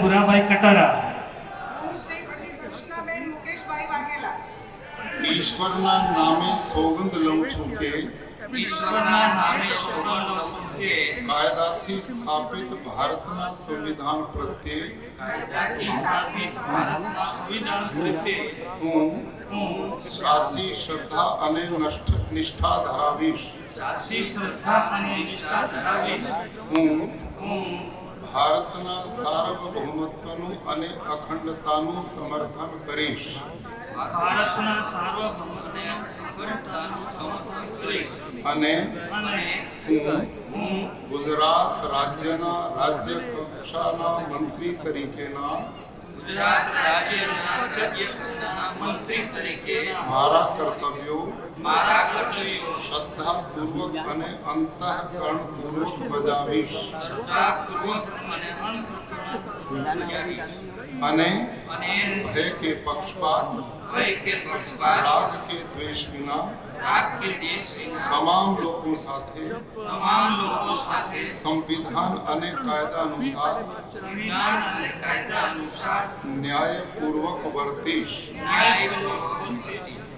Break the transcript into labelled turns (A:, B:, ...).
A: ભુરાભાઈ કટારા.
B: હું શ્રી પંડિત કૃષ્ણાબેન મુકેશભાઈ વાઘેલા
C: ઈશ્વરના નામે સોગંદ લઉં છું કે
D: ઈશ્વરના નામે સોગંદ લઉં છું કે
C: કાયદાથી સ્થાપિત ભારતના સંવિધાન પ્રત્યે
D: કાયદાથી સ્થાપિત ભારતના સંવિધાન પ્રત્યે
C: હું
D: હું
C: સાચી શ્રદ્ધા અને નિષ્ઠા ધરાવીશ.
D: સાચી શ્રદ્ધા અને નિષ્ઠા ધરાવીશ.
C: હું
D: હું
C: ભારતના સાર્વભૌમત્વનું અને અખંડતાનું સમર્થન કરીશ.
D: ભારતના સાર્વભૌમત્વને અખંડતાનું સમર્થન કરીશ.
C: અને
D: અને
C: હું ગુજરાત રાજ્યના રાજ્ય કક્ષાના મંત્રી તરીકેના
D: ગુજરાત રાજ્યના અધ્યક્ષના મંત્રી તરીકે
C: મારા કર્તવ્યો
D: મારા કર્તવ્યો
C: શ્રદ્ધાપૂર્વક અને અંતઃકરણપૂર્વક બજાવીશ.
D: શ્રદ્ધાપૂર્વક અને અંતઃકરણપૂર્વક બજાવીશ.
C: અને
D: અને
C: ભય કે પક્ષપાત
D: ભય કે પક્ષપાત
C: રાગ કે દ્વેષ વિના
D: રાગ કે દેશ વિના
C: તમામ લોકો સાથે
D: તમામ લોકો સાથે
C: સંવિધાન અને કાયદા અનુસાર
D: સંવિધાન અને કાયદા અનુસાર
C: ન્યાયપૂર્વક વર્તીશ.
D: ન્યાયપૂર્વક વર્તીશ.